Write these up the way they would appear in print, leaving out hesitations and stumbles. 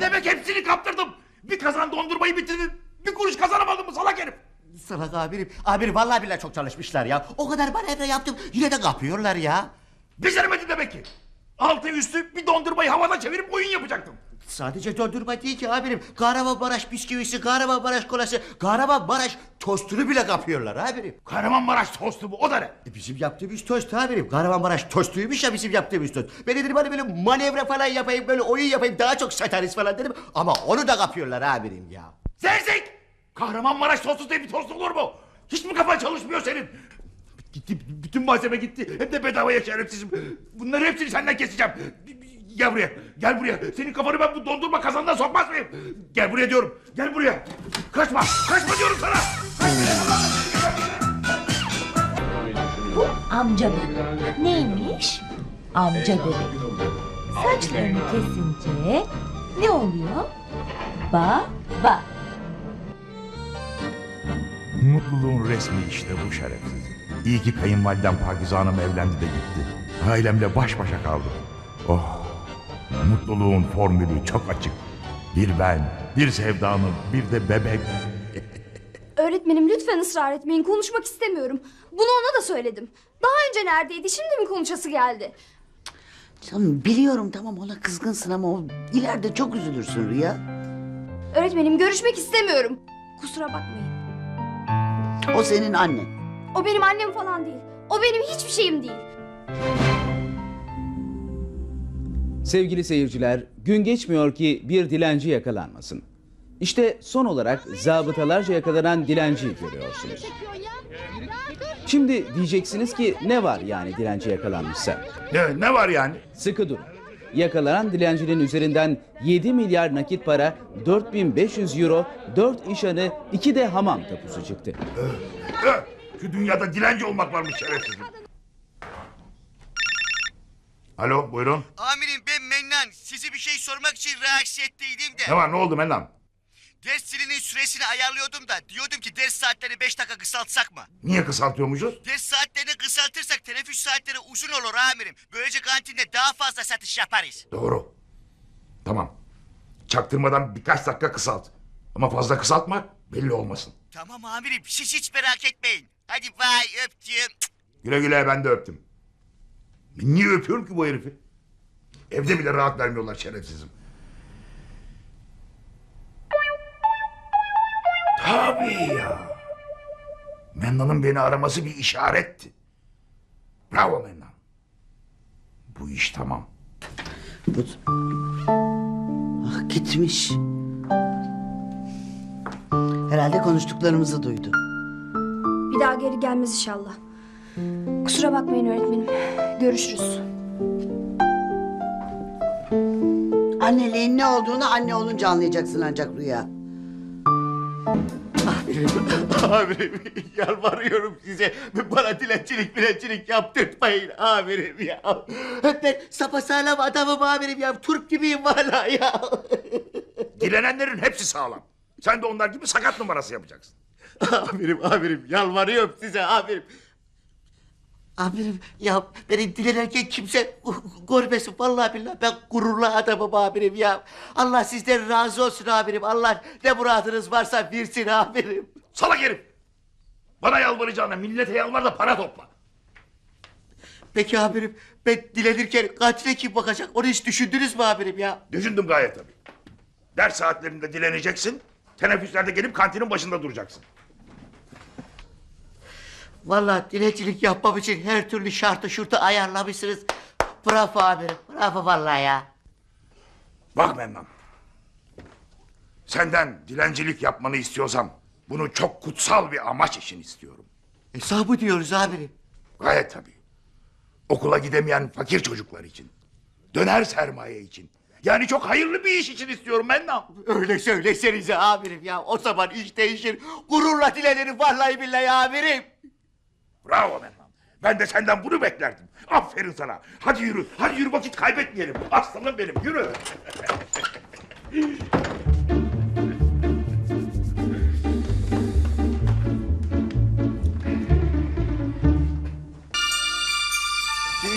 demek hepsini kaptırdım? Bir kazan dondurmayı bitirdin. Bir kuruş kazanamadın mı salak herif? Salak amirim. Amirim vallahi billahi çok çalışmışlar ya. O kadar manevra yaptım yine de kapıyorlar ya. Beceremedin demek ki. Altı üstü bir dondurmayı havada çevirip oyun yapacaktım. Sadece dondurma değil ki amirim. Kahramanmaraş bisküvisi, Kahramanmaraş kolası, Kahramanmaraş tostunu bile kapıyorlar amirim. Kahramanmaraş tostu bu, o da ne? Bizim yaptığımız tost amirim. Kahramanmaraş tostuymuş ya bizim yaptığımız tost. Ben dedim hani böyle manevra falan yapayım, böyle oyun yapayım, daha çok satarız falan dedim. Ama onu da kapıyorlar amirim ya. Zevzek! Kahramanmaraş tostu diye bir tost olur mu? Hiç mi kafan çalışmıyor senin? Gitti, bütün malzeme gitti. Hem de bedavaya şerefsizim. Bunların hepsini senden keseceğim. Gel buraya, gel buraya. Senin kafanı ben bu dondurma kazanına sokmaz mıyım? Gel buraya diyorum, gel buraya. Kaçma, kaçma diyorum sana. Bu amca bebek. Neymiş? Amca bebek. Saçlarını kesince ne oluyor? Baba. Mutluluğun resmi işte bu şerefsiz. İyi ki kayınvalidem Pakize Hanım evlendi de gitti. Ailemle baş başa kaldım. Oh, mutluluğun formülü çok açık. Bir ben, bir sevdanım, bir de bebek. Öğretmenim lütfen ısrar etmeyin. Konuşmak istemiyorum. Bunu ona da söyledim. Daha önce neredeydi? Şimdi mi konuşası geldi? Canım biliyorum tamam ona kızgınsın ama o ileride çok üzülürsün Rüya. Öğretmenim görüşmek istemiyorum. Kusura bakmayın. O senin annen. O benim annem falan değil. O benim hiçbir şeyim değil. Sevgili seyirciler, gün geçmiyor ki bir dilenci yakalanmasın. İşte son olarak zabıtalarca yakalanan dilenciyi görüyorsunuz. Şimdi diyeceksiniz ki ne var yani dilenci yakalanmışsa? Ne var yani? Sıkı durun. Yakalanan dilencinin üzerinden 7 milyar nakit para, 4500 euro, 4 iş hanı, 2 de hamam tapusu çıktı. Şu dünyada dilenci olmak varmış şerefsizim. Alo, buyurun. Amirim ben Mennan. Size bir şey sormak için rahatsız ettiydim de. Ne var, ne oldu Mennan? Ders zilinin süresini ayarlıyordum da diyordum ki ders saatlerini 5 dakika kısaltsak mı? Niye kısaltıyormuşuz? Ders saatlerini kısaltırsak teneffüs saatleri uzun olur amirim. Böylece kantinde daha fazla satış yaparız. Doğru. Tamam. Çaktırmadan birkaç dakika kısalt. Ama fazla kısaltma, belli olmasın. Tamam amirim siz hiç merak etmeyin. Hadi vay öptüm. Güle güle, ben de öptüm. Ben niye öpüyorum ki bu herifi? Evde bile rahat vermiyorlar şerefsizim. Tabii ya. Mennan'ın beni araması bir işaretti. Bravo Mennan. Bu iş tamam. Bu... Ah gitmiş. Herhalde konuştuklarımızı duydu. Bir daha geri gelmez inşallah. Kusura bakmayın öğretmenim. Görüşürüz. Anneliğin ne olduğunu anne olunca anlayacaksın ancak Rüya. Amirim yalvarıyorum size. Bana dilencilik yaptırtmayın amirim ya. Ben sapasağlam adamım amirim ya. Turp gibiyim valla ya. Dilenenlerin hepsi sağlam. Sen de onlar gibi sakat numarası yapacaksın. Amirim yalvarıyorum size amirim. Amirim ya beni dilenirken kimse görmesin vallahi billahi ben gururlu adamım amirim ya. Allah sizden razı olsun amirim. Allah ne muradınız varsa versin amirim. Salak herif! Bana yalvaracağına millete yalvar da para topla. Peki amirim ben dilenirken katile kim bakacak onu hiç düşündünüz mü amirim ya? Düşündüm gayet tabii. Ders saatlerinde dileneceksin, teneffüslerde gelip kantinin başında duracaksın. Vallahi dilencilik yapmam için her türlü şartı şurtu ayarlamışsınız. Bravo amirim bravo vallahi ya. Bak Mennan, senden dilencilik yapmanı istiyorsam bunu çok kutsal bir amaç için istiyorum. Hesabı diyoruz amirim. Gayet tabii. Okula gidemeyen fakir çocuklar için. Döner sermaye için. Yani çok hayırlı bir iş için istiyorum Mennan. Öyle söylesenize amirim ya. O zaman iş değişir. Gururla dilenirim vallahi billahi amirim. Bravo Mennan. Ben de senden bunu beklerdim. Aferin sana. Hadi yürü. Hadi yürü, vakit kaybetmeyelim. Aslanım benim, yürü.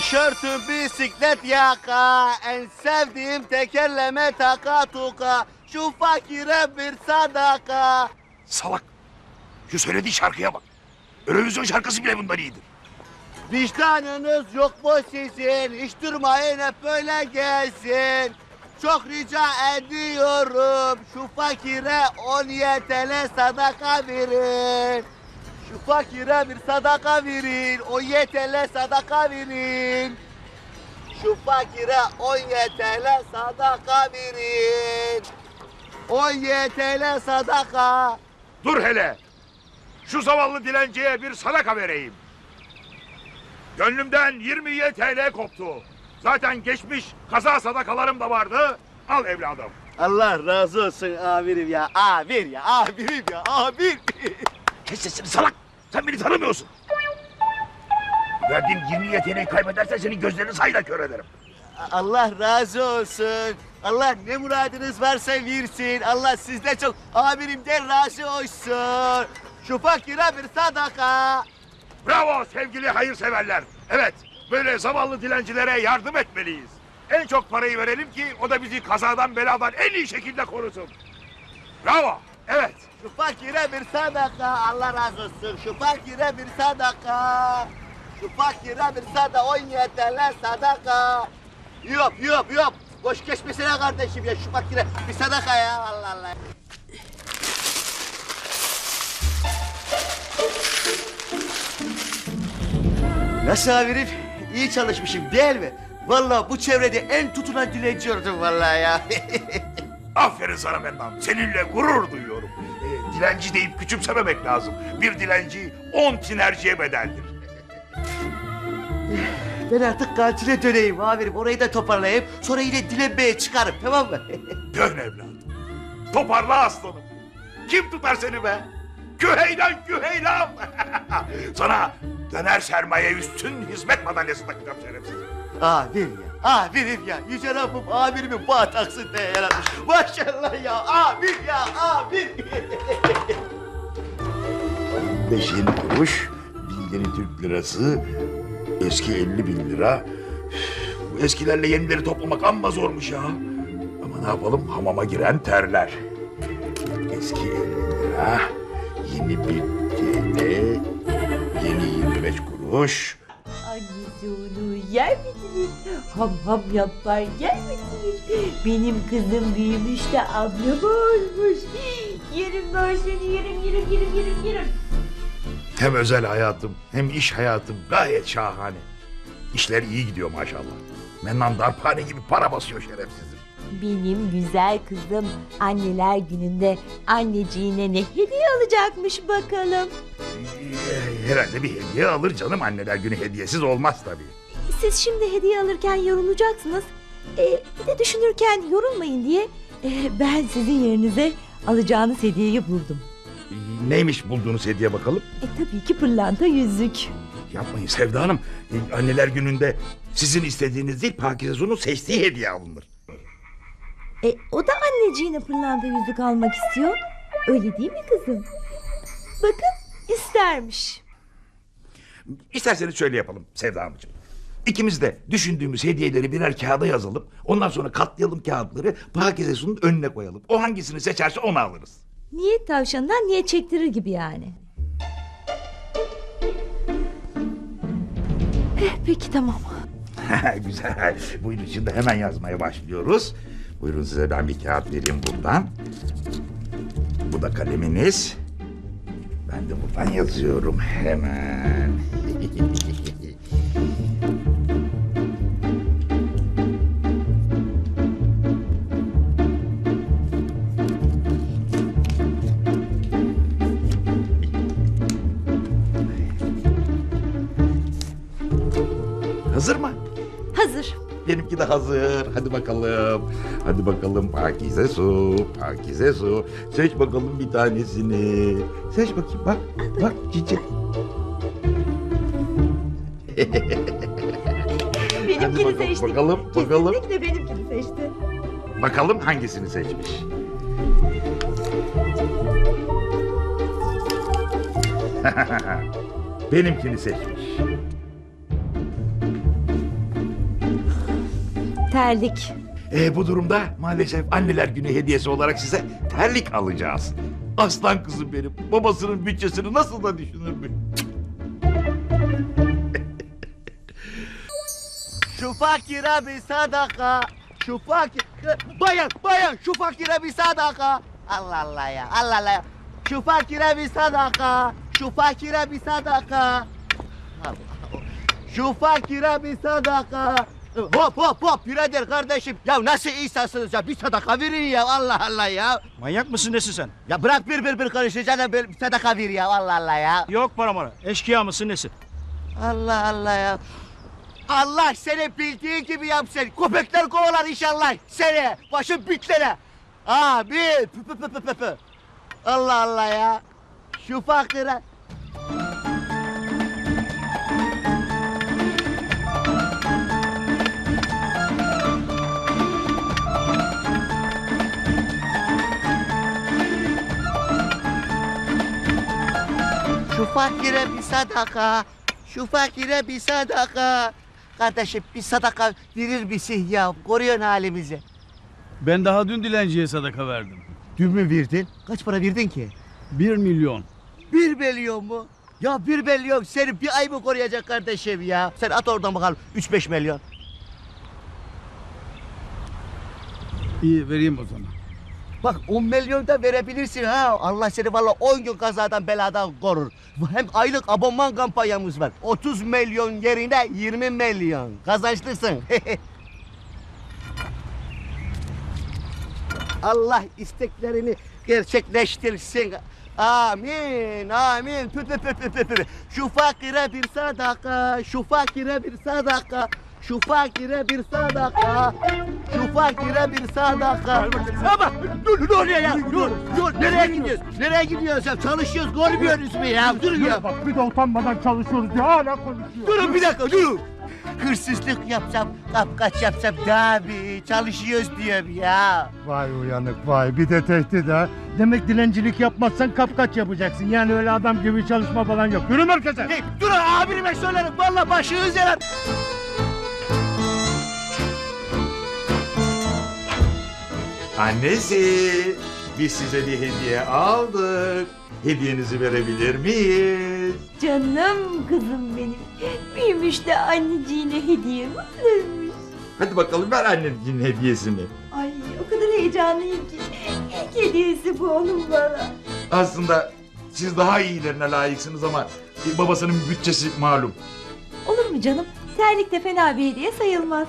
Tişörtüm bisiklet yaka, en sevdiğim tekerleme taka tuka. Şu fakire bir sadaka. Salak. Şu söylediği şarkıya bak. Eurovision şarkısı bile bundan iyidir. Vicdanınız yok mu sizin? Hiç durmayın hep böyle gelsin. Çok rica ediyorum şu fakire 10 YTL sadaka verin. Şu fakire bir sadaka verin. 10 YTL sadaka verin. Şu fakire 10 YTL sadaka verin. 10 YTL sadaka. Dur hele. Şu zavallı dilenciye bir sadaka vereyim. Gönlümden 20 TL koptu. Zaten geçmiş kaza sadakalarım da vardı. Al evladım. Allah razı olsun amirim ya. Amir ya, amirim ya, amir. Kes sesini salak. Sen beni tanımıyorsun. Verdiğim 20 YTL'yi kaybedersen senin gözlerini sayla kör ederim. Allah razı olsun. Allah ne muradınız varsa versin. Allah sizde çok amirimden razı olsun. Şu fakire bir sadaka. Bravo sevgili hayırseverler. Evet, böyle zavallı dilencilere yardım etmeliyiz. En çok parayı verelim ki o da bizi kazadan beladan en iyi şekilde korusun. Bravo, evet. Şu fakire bir sadaka. Allah razı olsun. Şu fakire bir sadaka. Şu fakire bir sadaka. 17 TL sadaka. Yok. Boş geçmesene kardeşim ya. Şu fakire bir sadaka ya. Allah Allah. Nasıl amirim? İyi çalışmışım değil mi? Vallahi bu çevrede en tutulan dilenci oldum vallahi ya. Aferin sana Mennan, seninle gurur duyuyorum. Dilenci deyip küçümsememek lazım. Bir dilenci 10 tinerciye bedeldir. Ben artık kantine döneyim amirim. Orayı da toparlayayım. Sonra yine dilenmeye çıkarım tamam mı? Dön evladım. Toparla aslanım. Kim tutar seni be? Küheylan. Sana döner sermaye üstün hizmet madalyası takacağım şerefsiz. Amirim ya. Yüce Rabbim amirimin bağ taksın diye yaratmış. Maşallah ya. Amir. 5 yeni kuruş, bir yeni Türk lirası, eski 50.000 lira. Bu eskilerle yenileri toplamak amma zormuş ya. Ama ne yapalım, hamama giren terler. Eski 50 lira, yeni 1 TL, yeni 25 kuruş. Annesi onu yer misiniz? Ham yapar yer misiniz? Benim kızım büyümüş de ablam olmuş. Yerim ben seni yerim. Hem özel hayatım hem iş hayatım gayet şahane. İşler iyi gidiyor maşallah. Mennan darphane gibi para basıyor şerefsizim. Benim güzel kızım anneler gününde anneciğine ne hediye alacakmış bakalım. Herhalde bir hediye alır canım, anneler günü hediyesiz olmaz tabii. Siz şimdi hediye alırken yorulacaksınız. Bir de düşünürken yorulmayın diye ben sizin yerinize alacağınız hediyeyi buldum. Neymiş bulduğunuz hediye bakalım? Tabii ki pırlanta yüzük. Yapmayın Sevda Hanım. Anneler gününde sizin istediğiniz değil, Pakize Su'nun seçtiği hediye alınır. O da anneciğine pırlanta yüzük almak istiyor. Öyle değil mi kızım? Bakın istermiş. İsterseniz şöyle yapalım Sevda Hanımcığım. İkimiz de düşündüğümüz hediyeleri birer kağıda yazalım. Ondan sonra katlayalım kağıtları, Pakize Su'nun önüne koyalım. O hangisini seçerse onu alırız. Niyet tavşanından niyet çektirir gibi yani. Peki tamam. Güzel. Buyurun şimdi hemen yazmaya başlıyoruz. Buyurun size ben bir kağıt vereyim buradan. Bu da kaleminiz. Ben de buradan yazıyorum hemen. Hazır mı? Hazır. Benimki de hazır. Hadi bakalım. Hadi bakalım Pakize Su. Pakize Su. Seç bakalım bir tanesini. Seç bakayım bak. Bak çiçek. Benimkini bakalım, seçti. bakalım. Kesinlikle benimkini seçti. Bakalım hangisini seçmiş. Benimkini seçmiş. terlik. Bu durumda maalesef anneler günü hediyesi olarak size terlik alacağız. Aslan kızım benim. Babasının bütçesini nasıl da düşünürmüş. Şu fakire bir sadaka. Şu fakir... Bayan şu fakire bir sadaka. Allah Allah ya, Allah Allah ya. Şu fakire bir sadaka. Şu fakire bir sadaka. Allah Allah. Şu fakire bir sadaka. Hop birader kardeşim. Ya nasıl insansınız ya, bir sadaka verin ya, Allah Allah ya. Manyak mısın nesin sen? Ya bırak bir konuşacağına bir sadaka ver ya, Allah Allah ya. Yok para mara. Eşkıya mısın nesin? Allah Allah ya. Allah seni bildiğin gibi yapsın. Köpekler kovalar inşallah seni. Başın bitlere. Abi. Pü. Allah Allah ya. Şu fakire. Şu fakire bir sadaka. Şu fakire bir sadaka. Kardeşim bir sadaka verir misin ya? Koruyorsun halimizi. Ben daha dün dilenciye sadaka verdim. Dün mü verdin? Kaç para verdin ki? 1 milyon. 1 milyon mu? Ya 1 milyon seni bir ay mı koruyacak kardeşim ya? Sen at oradan bakalım 3-5 milyon. İyi vereyim o zaman. Bak 10 milyon da verebilirsin ha. Allah seni vallahi 10 gün kazadan beladan korur. Hem aylık abonman kampanyamız var. 30 milyon yerine 20 milyon. Kazançlısın. Allah isteklerini gerçekleştirsin. Amin, amin. Pü. Şu fakire bir sadaka, şu fakire bir sadaka. Şu fakire bir sadaka. Şu fakire bir sadaka. Ama dur ne oluyor ya? Dur. Nereye gidiyorsun? Nereye gidiyorsun sen? Çalışıyoruz, görmüyoruz mu ya? Dur ya. Bak bir de utanmadan çalışıyoruz diye hala konuşuyor. Durun bir dakika, durun. Hırsızlık yapsam, kapkaç yapsam daha bir çalışıyoruz diyorum ya. Vay uyanık vay, bir de tehdit ha. Demek dilencilik yapmazsan kapkaç yapacaksın. Yani öyle adam gibi çalışma falan yok. Yürü merkeze. Hey, durun abime söylerim. Vallahi başınız yarar. Annesi, biz size bir hediye aldık. Hediyenizi verebilir miyiz? Canım kızım benim. Büyümüş de anneciğine hediye mi alırmış? Hadi bakalım ver anneciğin hediyesini. Ay o kadar heyecanlıyım ki. İlk hediyesi bu onun bana. Aslında siz daha iyilerine layıksınız ama babasının bütçesi malum. Olur mu canım? Terlik de fena bir hediye sayılmaz.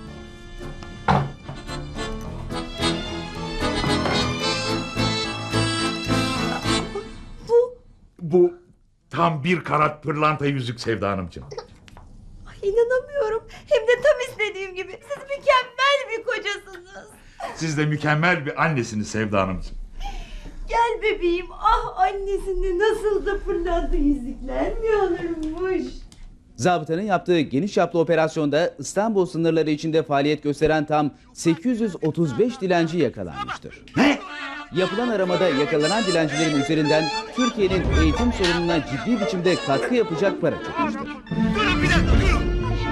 Bu tam bir karat pırlanta yüzük Sevda Hanımcığım. Ay inanamıyorum. Hem de tam istediğim gibi. Siz mükemmel bir kocasınız. Siz de mükemmel bir annesiniz Sevda Hanımcığım. Gel bebeğim. Ah annesinde nasıl da pırlanta yüzükler mi alırmış? Zabıtanın yaptığı geniş çaplı operasyonda İstanbul sınırları içinde faaliyet gösteren tam 835 dilenci yakalanmıştır. Ne? Yapılan aramada yakalanan dilencilerin üzerinden Türkiye'nin eğitim sorununa ciddi biçimde katkı yapacak para çıkmıştır. Durun bir dakika, durun.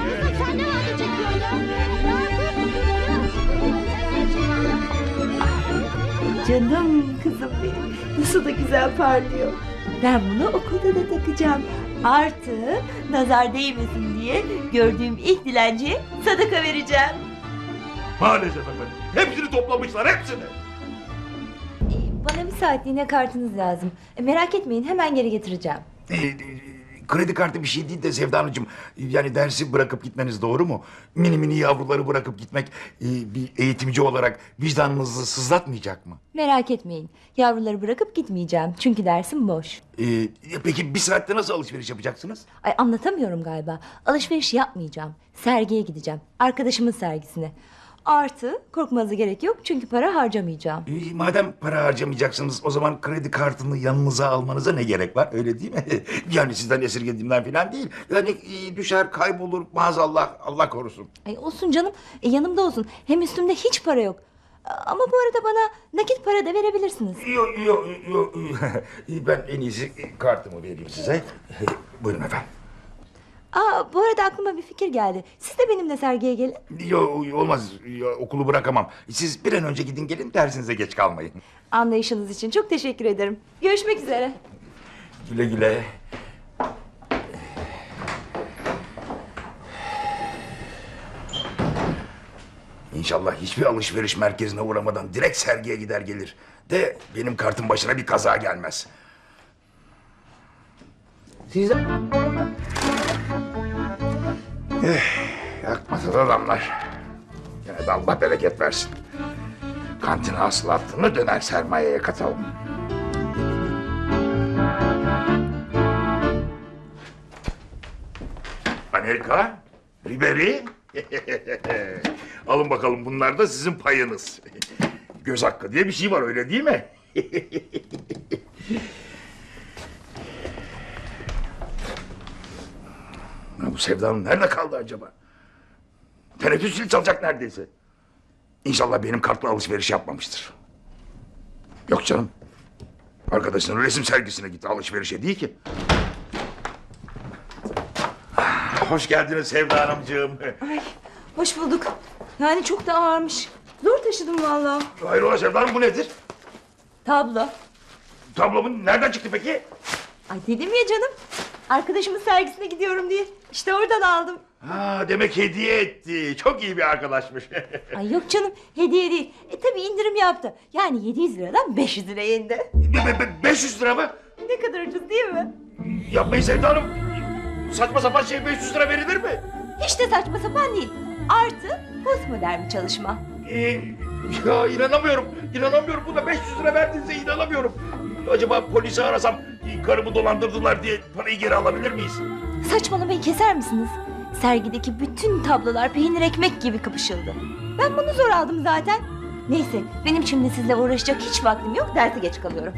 Canım kızım benim. Nasıl da güzel parlıyor. Ben bunu okulda da takacağım. Artı nazar değmesin diye gördüğüm ilk dilenciye sadaka vereceğim. Maalesef efendim. Hepsini toplamışlar, hepsini. Bana bir saatliğine kartınız lazım. Merak etmeyin hemen geri getireceğim. Kredi kartı bir şey değil de Sevda Hanımcığım. Yani dersi bırakıp gitmeniz doğru mu? Mini yavruları bırakıp gitmek bir eğitimci olarak vicdanınızı sızlatmayacak mı? Merak etmeyin. Yavruları bırakıp gitmeyeceğim. Çünkü dersim boş. Peki bir saatte nasıl alışveriş yapacaksınız? Ay anlatamıyorum galiba. Alışveriş yapmayacağım. Sergiye gideceğim. Arkadaşımın sergisine. Artı korkmanıza gerek yok çünkü para harcamayacağım. Madem para harcamayacaksınız o zaman kredi kartını yanınıza almanıza ne gerek var öyle değil mi? Yani sizden esirgediğimden falan değil. Yani düşer kaybolur maazallah Allah korusun. Ay olsun canım. Yanımda olsun. Hem üstümde hiç para yok. Ama bu arada bana nakit para da verebilirsiniz. Yok. Ben en iyisi kartımı vereyim size. Buyurun efendim. Aa, bu arada aklıma bir fikir geldi. Siz de benimle sergiye gelin. Yok olmaz. Ya, okulu bırakamam. Siz bir an önce gidin gelin dersinize geç kalmayın. Anlayışınız için çok teşekkür ederim. Görüşmek üzere. Güle güle. İnşallah hiçbir alışveriş merkezine uğramadan direkt sergiye gider gelir. De benim kartın başına bir kaza gelmez. Siz Yakmasın adamlar. Yine de Allah bereket versin. Kantin hasılatını döner sermayeye katalım. Amerika, Ribery. Alın bakalım, bunlar da sizin payınız. Göz hakkı diye bir şey var, öyle değil mi? Ya bu Sevda nerede kaldı acaba? Teneffüs zili çalacak neredeyse. İnşallah benim kartla alışveriş yapmamıştır. Yok canım. Arkadaşının resim sergisine gitti, alışverişe değil ki. Hoş geldiniz Sevda Hanımcığım. Ay, hoş bulduk. Yani çok da ağırmış. Zor taşıdım vallahi. Hayrola Sevda Hanım, bu nedir? Tablo. Tablomun nereden çıktı peki? Ay dedim ya canım. Arkadaşımın sergisine gidiyorum diye. İşte oradan aldım. Ha, demek hediye etti. Çok iyi bir arkadaşmış. Ay yok canım, hediye değil. Tabii indirim yaptı. Yani 700 liradan 500 liraya indi. 500 lira mı? Ne kadar ucuz değil mi? Yapmayın Sevda Hanım. Saçma sapan şey 500 lira verilir mi? Hiç de saçma sapan değil. Artı postmodern bir çalışma. Ya inanamıyorum. İnanamıyorum. Bu da 500 lira verdiğinize inanamıyorum. Acaba polisi arasam karımı dolandırdılar diye parayı geri alabilir miyiz? Saçmalamayı keser misiniz? Sergideki bütün tablolar peynir ekmek gibi kapışıldı. Ben bunu zor aldım zaten. Neyse, benim şimdi sizle uğraşacak hiç vaktim yok. Derse geç kalıyorum.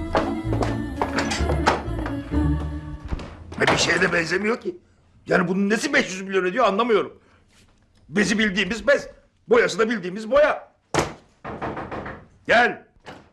Bir şeye de benzemiyor ki. Yani bunun nesi 500 milyon ediyor anlamıyorum. Bezi bildiğimiz bez. Boyası da bildiğimiz boya. Gel.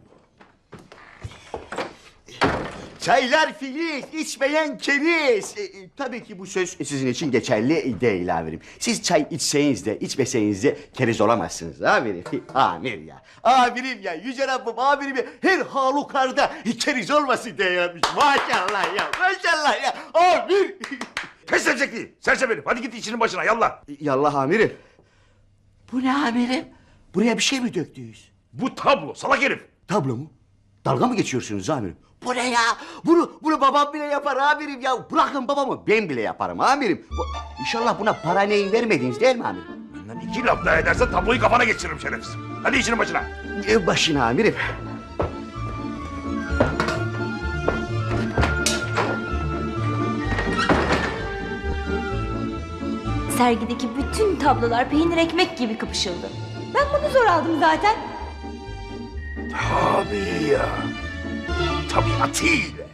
Çaylar filiz, içmeyen keriz. Tabii ki bu söz sizin için geçerli değil amirim. Siz çay içseniz de içmeseniz de keriz olamazsınız amirim. Amir ya. Amirim ya. Yüce Rabbim amirim ya. Her halükarda keriz olmasın diye yapmış. Maşallah ya. Maşallah ya. Amir. Kes sevcekliği. Sersem herif. Hadi git işinin başına yallah. Yallah amirim. Bu ne amirim? Buraya bir şey mi döktünüz? Bu tablo salak herif. Tablo mu? Dalga mı geçiyorsunuz amirim? Bu ne ya? Bunu babam bile yapar amirim ya. Bırakın babamı, ben bile yaparım amirim. İnşallah buna para neyin vermediniz değil mi amirim? Benden 2 laf daha edersen tabloyu kafana geçiririm şerefsiz. Hadi işinin başına. Başına amirim. Sergideki bütün tablolar peynir ekmek gibi kapışıldı. Ben bunu zor aldım zaten. Tabii ya. Tabiatıyla.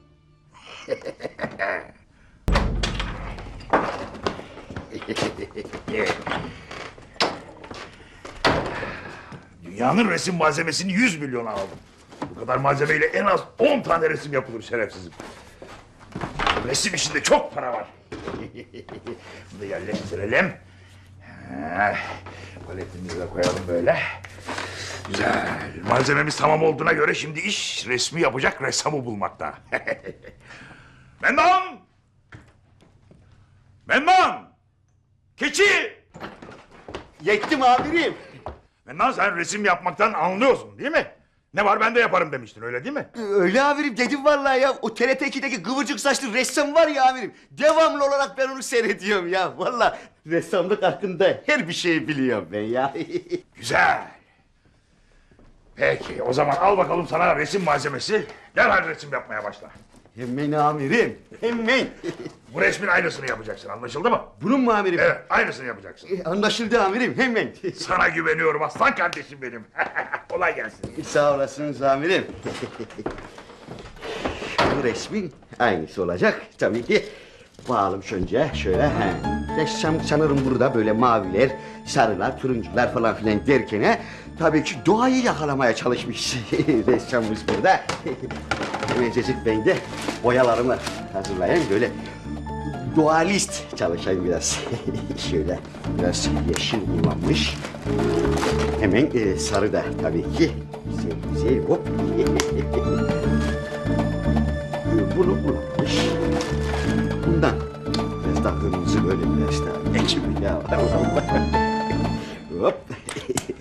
Dünyanın resim malzemesini 100 milyona aldım. Bu kadar malzemeyle en az 10 tane resim yapılır şerefsizim. Resim işinde çok para var. Bunu da yerleştirelim. Paletimizi de koyalım böyle. Güzel. Malzememiz tamam olduğuna göre şimdi iş resmi yapacak ressamı bulmakta. Mendan! Mendan! Keçi! Yettim amirim. Mendan, sen resim yapmaktan anlıyorsun değil mi? Ne var ben de yaparım demiştin, öyle değil mi? Öyle amirim dedim vallahi ya. O TRT 2'deki kıvırcık saçlı ressam var ya amirim. Devamlı olarak ben onu seyrediyorum ya. Vallahi ressamlık hakkında her bir şeyi biliyorum ben ya. Güzel. Peki, o zaman al bakalım sana resim malzemesi. Derhal resim yapmaya başla. Hemen amirim. Hemen. Bu resmin aynısını yapacaksın, anlaşıldı mı? Bunun mu amirim? Evet, aynısını yapacaksın. Anlaşıldı amirim hemen. Sana güveniyorum aslan kardeşim benim. Kolay gelsin. Sağ olasınız amirim. Bu resmin aynısı olacak tabii ki. Bağalım önce şöyle. Ressam sanırım burada böyle maviler, sarılar, turuncular falan filan derken tabii ki doğayı yakalamaya çalışmış ressamımız burada. Hemencecik ben de boyalarımı hazırlayayım böyle. doğalist çalışayım biraz. Şöyle biraz yeşil kullanmış. Hemen sarı da tabii ki. Güzel güzel hop. Bunu kullanmış. Bundan biraz daha kırmızı böyle biraz daha ekşi ya. Hop.